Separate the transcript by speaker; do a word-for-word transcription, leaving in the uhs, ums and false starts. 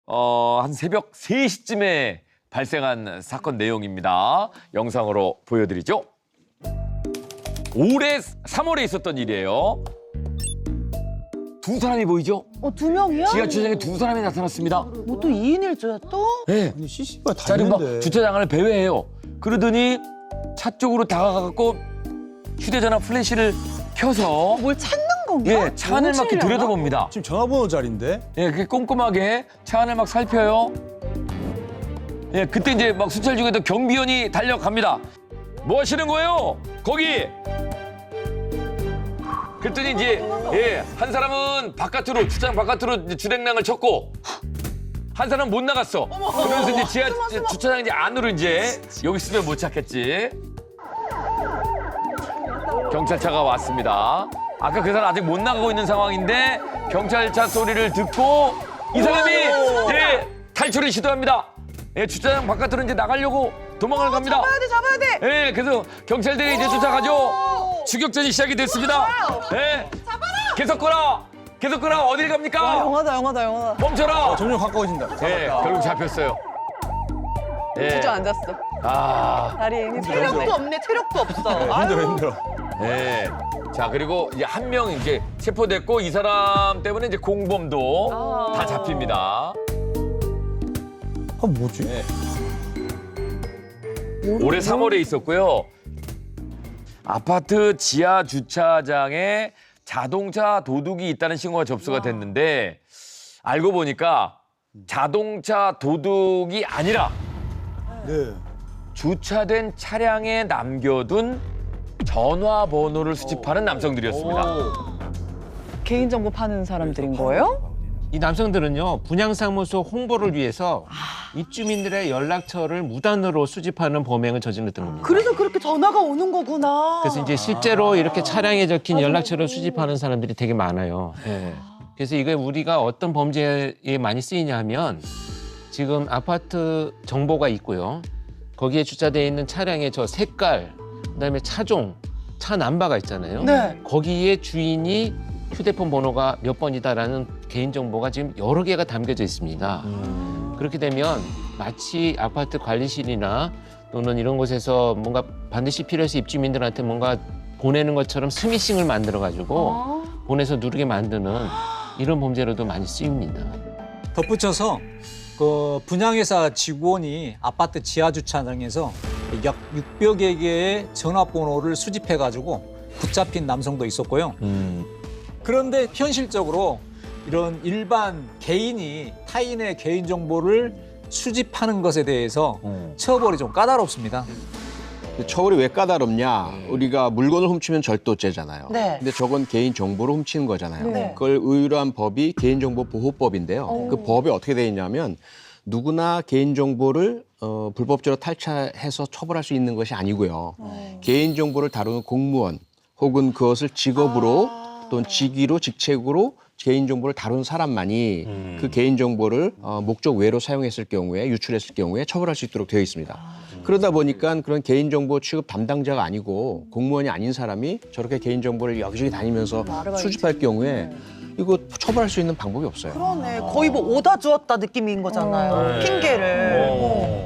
Speaker 1: 어, 한 새벽 세 시쯤에 발생한 사건 내용입니다. 영상으로 보여드리죠. 올해 삼월에 있었던 일이에요. 두 사람이 보이죠?
Speaker 2: 어, 두 명이야?
Speaker 1: 지하주차장에 두 사람이 나타났습니다.
Speaker 2: 뭐 또 이 인 일 조야 또?
Speaker 1: 네.
Speaker 3: 아니 씨씨가 다
Speaker 1: 자, 그리고 막
Speaker 3: 있는데.
Speaker 1: 주차장 안을 배회해요. 그러더니 차 쪽으로 다가가고 휴대전화 플래시를 켜서
Speaker 2: 뭘 찾는 건가?
Speaker 1: 예, 차 안을 막 이렇게
Speaker 2: 훔치려나?
Speaker 1: 들여다봅니다.
Speaker 3: 지금 전화번호 자리인데.
Speaker 1: 예, 그게 꼼꼼하게 차 안을 막 살펴요. 예, 그때 이제 막 순찰 중에도 경비원이 달려갑니다. 뭐 하시는 거예요? 거기! 그랬더니 이제, 예, 한 사람은 바깥으로, 주차장 바깥으로 이제 주행랑을 쳤고, 한 사람은 못 나갔어. 그러면서 이제 지하 주차장 이제 안으로 이제, 여기 있으면 못 찾겠지. 경찰차가 왔습니다. 아까 그 사람 아직 못 나가고 있는 상황인데, 경찰차 소리를 듣고, 이 사람이, 예, 탈출을 시도합니다. 예, 주차장 바깥으로 이제 나가려고 도망을 갑니다.
Speaker 2: 잡아야 돼, 잡아야 돼.
Speaker 1: 예, 그래서 경찰들이 이제 쫓아가죠. 추격전이 시작이 됐습니다. 예, 계속 걸어, 계속 걸어. 어딜
Speaker 2: 와,
Speaker 1: 갑니까?
Speaker 2: 영화다, 영화다, 영화다.
Speaker 1: 멈춰라.
Speaker 3: 점점 가까워진다.
Speaker 1: 예, 결국 잡혔어요. 예,
Speaker 2: 주저앉았어.
Speaker 1: 아,
Speaker 2: 다리에 힘이 체력도 없네, 체력도 없어.
Speaker 3: 힘들어 힘들어.
Speaker 1: 예. 자, 그리고 이제 한 명 이제 체포됐고 이 사람 때문에 이제 공범도
Speaker 2: 아.
Speaker 1: 다 잡힙니다.
Speaker 3: 아 뭐지?
Speaker 1: 네. 올해 삼월에 있었고요. 아파트 지하 주차장에 자동차 도둑이 있다는 신고가 접수가 됐는데 알고 보니까 자동차 도둑이 아니라
Speaker 3: 네.
Speaker 1: 주차된 차량에 남겨둔 전화번호를 수집하는 남성들이었습니다.
Speaker 2: 개인정보 파는 사람들인 거예요?
Speaker 4: 이 남성들은요, 분양사무소 홍보를 위해서 입주민들의 연락처를 무단으로 수집하는 범행을 저질렀던 겁니다.
Speaker 2: 그래서 그렇게 전화가 오는 거구나.
Speaker 4: 그래서 이제 실제로 이렇게 차량에 적힌 연락처를 수집하는 사람들이 되게 많아요. 예. 그래서 이게 우리가 어떤 범죄에 많이 쓰이냐 하면 지금 아파트 정보가 있고요. 거기에 주차되어 있는 차량의 저 색깔, 그다음에 차종, 차 남바가 있잖아요.
Speaker 2: 네.
Speaker 4: 거기에 주인이 휴대폰 번호가 몇 번이다라는 개인정보가 지금 여러 개가 담겨져 있습니다. 그렇게 되면 마치 아파트 관리실이나 또는 이런 곳에서 뭔가 반드시 필요해서 입주민들한테 뭔가 보내는 것처럼 스미싱을 만들어가지고
Speaker 2: 아.
Speaker 4: 보내서 누르게 만드는 이런 범죄로도 많이 쓰입니다.
Speaker 5: 덧붙여서 그 분양회사 직원이 아파트 지하 주차장에서 약 육백여 개의 전화번호를 수집해가지고 붙잡힌 남성도 있었고요. 그런데 현실적으로 이런 일반 개인이 타인의 개인정보를 수집하는 것에 대해서 처벌이 좀 까다롭습니다.
Speaker 6: 처벌이 왜 까다롭냐? 우리가 물건을 훔치면 절도죄잖아요.
Speaker 2: 네.
Speaker 6: 근데 저건 개인 정보를 훔치는 거잖아요.
Speaker 2: 네.
Speaker 6: 그걸 의뢰한 법이 개인정보보호법인데요.
Speaker 2: 오.
Speaker 6: 그 법이 어떻게 돼 있냐면 누구나 개인정보를 어, 불법적으로 탈취해서 처벌할 수 있는 것이 아니고요. 개인정보를 다루는 공무원 혹은 그것을 직업으로
Speaker 2: 아.
Speaker 6: 또는 직위로 직책으로 개인정보를 다룬 사람만이
Speaker 1: 음.
Speaker 6: 그 개인정보를 어, 목적 외로 사용했을 경우에 유출했을 경우에 처벌할 수 있도록 되어 있습니다. 그러다 보니까 그런 개인정보 취급 담당자가 아니고 공무원이 아닌 사람이 저렇게 개인정보를 여기저기 다니면서
Speaker 2: 아르바이트.
Speaker 6: 수집할 경우에 이거 처벌할 수 있는 방법이 없어요.
Speaker 2: 그러네. 거의 뭐 오다 주었다 느낌인 거잖아요.
Speaker 1: 네.
Speaker 2: 핑계를.
Speaker 1: 어.